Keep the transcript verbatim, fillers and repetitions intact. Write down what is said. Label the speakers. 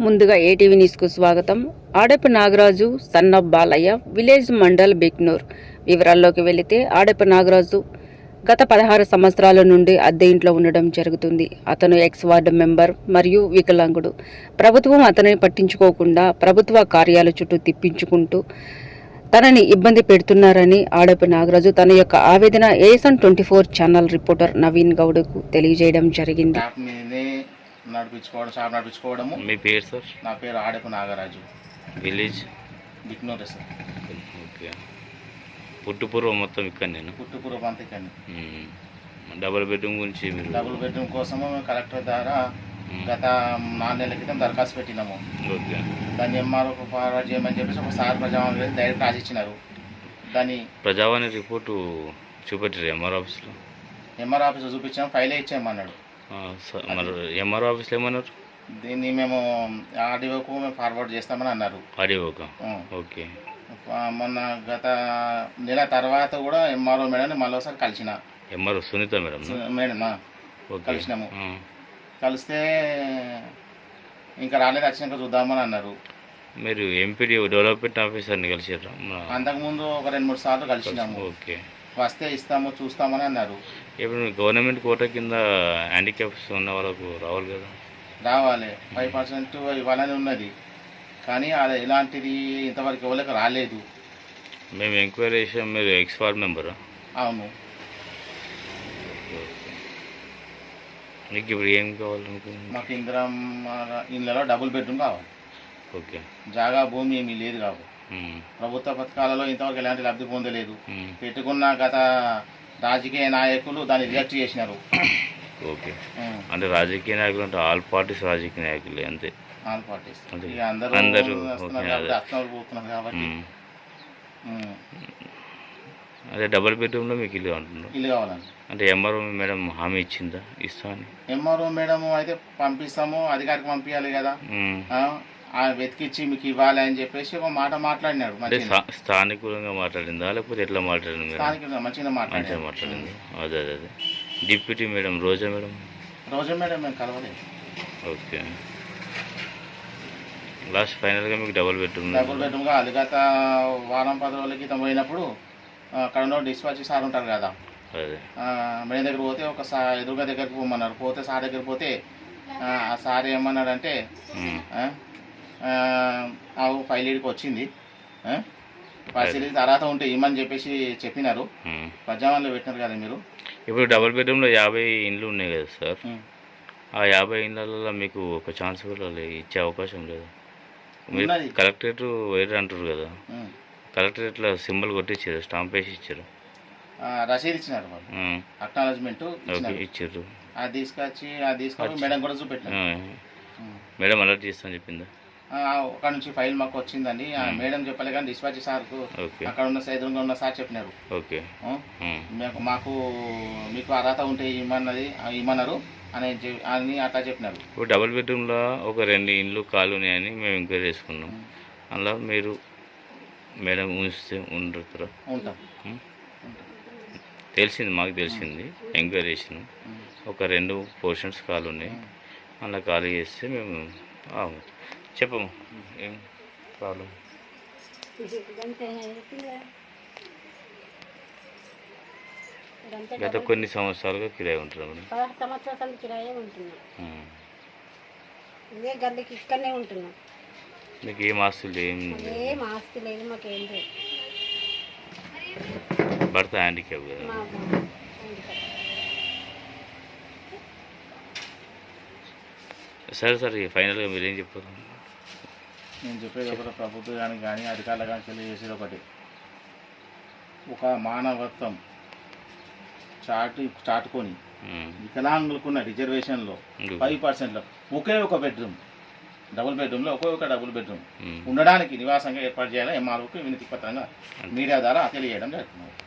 Speaker 1: ముందుగా ఏటీవీ న్యూస్కు స్వాగతం. ఆడపు నాగరాజు సన్న బాలయ్య విలేజ్ మండల్ బిక్నూర్ వివరాల్లోకి వెళితే ఆడపు నాగరాజు గత పదహారు సంవత్సరాల నుండి అద్దె ఇంట్లో ఉండడం జరుగుతుంది. అతను ఎక్స్ వార్డు మెంబర్ మరియు వికలాంగుడు. ప్రభుత్వం అతనిని పట్టించుకోకుండా ప్రభుత్వ కార్యాల చుట్టూ తిప్పించుకుంటూ తనని ఇబ్బంది పెడుతున్నారని ఆడపు నాగరాజు తన యొక్క ఆవేదన ASN twenty four channel reporter Naveen గౌడ్కు తెలియజేయడం జరిగింది.
Speaker 2: నడిపించుకోవడం షాప్ నడిపించుకోవడము.
Speaker 3: మీ పేరు సార్?
Speaker 2: నా పేరు Adapu Nagaraju,
Speaker 3: village
Speaker 2: Biknoor sir.
Speaker 3: Okay. పుట్టుపూర్వం మొత్తం ఇక్కడ నేను
Speaker 2: పుట్టుపూర్వం అంతా ఇక్కడ.
Speaker 3: డబుల్ బెడ్రూమ్ గురించి మీరు
Speaker 2: డబుల్ బెడ్రూమ్ కోసము మేము కలెక్టర్ ద్వారా గత నాలుగు నెలల క్రితం దరఖాస్తు పెట్టినాము.
Speaker 3: ఓకే.
Speaker 2: దాన్ని ఎంఆర్ఓ ఫార్వర్డ్ చేయమని చెప్పేసి ఒకసారి ప్రజావాణి డైరెక్ట్ రాసిచ్చినారు. దాన్ని
Speaker 3: ప్రజావాణి రిపోర్టు చూపెట్టారు ఎంఆర్ ఆఫీస్లో.
Speaker 2: ఎంఆర్ ఆఫీస్లో చూపించాము, ఫైలే ఇచ్చామన్నాడు.
Speaker 3: మరి ఎంఆర్ ఆఫీస్లో ఏమన్నారు?
Speaker 2: దీన్ని మేము ఆర్డీఓకు మేము ఫార్వర్డ్ చేస్తామని అన్నారు.
Speaker 3: ఆర్డీఓకా? ఓకే.
Speaker 2: మొన్న గత నెల తర్వాత కూడా ఎంఆర్ఓ మేడం మళ్ళీ ఒకసారి కలిసిన.
Speaker 3: ఎంఆర్ఓ సునీత మేడం
Speaker 2: మేడం కలిసినాము. కలిస్తే ఇంకా రాలేదు, వచ్చినాక చూద్దామని అన్నారు.
Speaker 3: మీరు ఎంపీడీ డెవలప్మెంట్ ఆఫీసర్ని కలిసారా?
Speaker 2: అంతకుముందు ఒక రెండు మూడు సార్లు కలిసినాము.
Speaker 3: ఓకే.
Speaker 2: వస్తే ఇస్తాము చూస్తామని అన్నారు.
Speaker 3: ఇప్పుడు గవర్నమెంట్ కోటా కింద హ్యాండిక్యాప్స్ ఉన్న వాళ్ళకు రావాలి కదా?
Speaker 2: రావాలి, ఫైవ్ పర్సెంట్ ఇవ్వాలని ఉన్నది, కానీ అది ఇలాంటిది ఇంతవరకు ఎవరికి రాలేదు.
Speaker 3: మేము ఎంక్వైరీ చేసాం. మీరు ఎక్స్ వార్డ్ మెంబరా?
Speaker 2: అవును.
Speaker 3: మీకు ఇప్పుడు ఏం కావాలనుకుంటున్నాను?
Speaker 2: మాకు ఇందిరా ఇళ్ళలో డబుల్ బెడ్రూమ్ కావాలి.
Speaker 3: ఓకే.
Speaker 2: జాగా భూమి ఏమీ లేదు కావు. ప్రభుత్వ పథకాలలో ఇంతవరకు ఎలాంటి లబ్ధి పొందలేదు. పెట్టుకున్న గత రాజకీయ నాయకులు దాన్ని రిజెక్ట్ చేసినారు.
Speaker 3: ఓకే. అంటే రాజకీయ నాయకులు అంటే ఆల్ పార్టీస్ రాజకీయ నాయకులు అంతే.
Speaker 2: ఆల్ పార్టీస్
Speaker 3: అందరూ
Speaker 2: పోతున్నారు కాబట్టి.
Speaker 3: అదే డబుల్ బెడ్రూమ్లో మీకు ఇల్లు అంటున్నారు.
Speaker 2: ఇల్లు కావాలండి.
Speaker 3: అంటే ఎంఆర్ఓ మేడం హామీ ఇచ్చిందా ఇస్తా అని?
Speaker 2: ఎంఆర్ఓ మేడం అయితే పంపిస్తాము, అధికారికి పంపించాలి కదా, వెతికిచ్చి మీకు ఇవ్వాలి అని చెప్పేసి ఒక మాట మాట్లాడినాడు.
Speaker 3: అంటే స్థానికంగా మాట్లాడిందా లేకపోతే ఎట్లా మాట్లాడింది?
Speaker 2: స్థానికంగా మంచిగా మాట్లాడింది.
Speaker 3: మాట్లాడింది అదే అదే అదే deputy madam Roja madam?
Speaker 2: Roja madam మేము కలవలేదు.
Speaker 3: ఓకే. లాస్ట్ ఫైనల్గా మీకు డబుల్ బెడ్రూమ్
Speaker 2: డబుల్ బెడ్రూమ్గా అది గత వారం పది రోజుల క్రితం పోయినప్పుడు అక్కడ ఉన్న డిస్పాచ్ సార్ ఉంటారు కదా, మేడం దగ్గర పోతే ఒక సా ఎదురుగా దగ్గరికి పోమన్నారు. పోతే సార్ దగ్గర పోతే ఆ సార్ ఏమన్నాడంటే ఫైల్ ఇడికి వచ్చింది, పరిశీలి తర్వాత ఉంటే ఇమ్మని చెప్పేసి చెప్పినారు. ప్రజావాణిలో పెట్టినారు కదా మీరు.
Speaker 3: ఇప్పుడు డబుల్ బెడ్రూమ్లో యాభై ఇండ్లు ఉన్నాయి కదా సార్, ఆ యాభై ఇండ్లలో మీకు ఒక ఛాన్స్ కూడా ఇచ్చే అవకాశం లేదు. మీరు కలెక్టరేట్ వేరే అంటారు కదా, కలెక్టరేట్లో సింబల్ కొట్టించారు, స్టాంప్ వేసి ఇచ్చారు,
Speaker 2: రసీదు ఇచ్చినారు, అక్నాలజ్మెంట్
Speaker 3: ఇచ్చారు.
Speaker 2: అది తీసుకొచ్చి అది తీసుకొని మేడం కూడా చూపెట్టారు.
Speaker 3: మేడం అలర్ట్ చేస్తాను చెప్పిందా?
Speaker 2: అక్కడ నుంచి ఫైల్ మాకు వచ్చిందండి. మేడం చెప్పలే కానీ డిస్పాచ్ సార్కు అక్కడ ఉన్న ఎదురుగా ఉన్న సార్ చెప్పినారు.
Speaker 3: ఓకే.
Speaker 2: మాకు మీకు అర్హత ఉంటే ఇమ్మన్నది ఇమ్మన్నారు అని అని అట్లా చెప్పినారు.
Speaker 3: ఇప్పుడు డబుల్ బెడ్రూమ్లో ఒక రెండు ఇండ్లు ఖాళీ ఉన్నాయని మేము ఎంక్వైరీ చేసుకున్నాం. అందులో మీరు మేడం ఉంచితే ఉండతారా?
Speaker 2: ఉంటాం.
Speaker 3: తెలిసింది, మాకు తెలిసింది, ఎంక్వైరీ చేసినాం. ఒక రెండు పోర్షన్స్ ఖాళీ ఉన్నాయి, అలా ఖాళీ చేస్తే మేము చెప్పము ఏం ప్రాబ్లం. గత కొన్ని సంవత్సరాలుగా కిరాయి ఉంటున్నాం.
Speaker 4: సంవత్సరాలు కిరాయి ఉంటున్నాం. ఇదే గల్లీకి ఇక్కడనే ఉంటున్నాం.
Speaker 3: మీకు ఏం ఆస్తులు ఏం
Speaker 4: ఏం ఆస్తి లేదు, మాకేం లేదు.
Speaker 3: భర్త హ్యాండిక్యాప్ కదా. సరే సరే ఫైనల్గా మీరు ఏం చెప్పారు?
Speaker 2: నేను చెప్పేది ఒకటి, ప్రభుత్వానికి కానీ అధికారులు కానీ తెలియజేసేది ఒకటి, ఒక మానవత్వం చాటు చాటుకొని వికలాంగులకున్న రిజర్వేషన్లో ఫైవ్ పర్సెంట్లో ఒకే ఒక బెడ్రూమ్ డబుల్ బెడ్రూమ్లో ఒకే ఒక డబుల్ బెడ్రూమ్ ఉండడానికి నివాసంగా ఏర్పాటు చేయాలని ఎంఆర్ఓకి వినతి పత్రంగా మీడియా ద్వారా తెలియజేయడం జరుగుతుంది.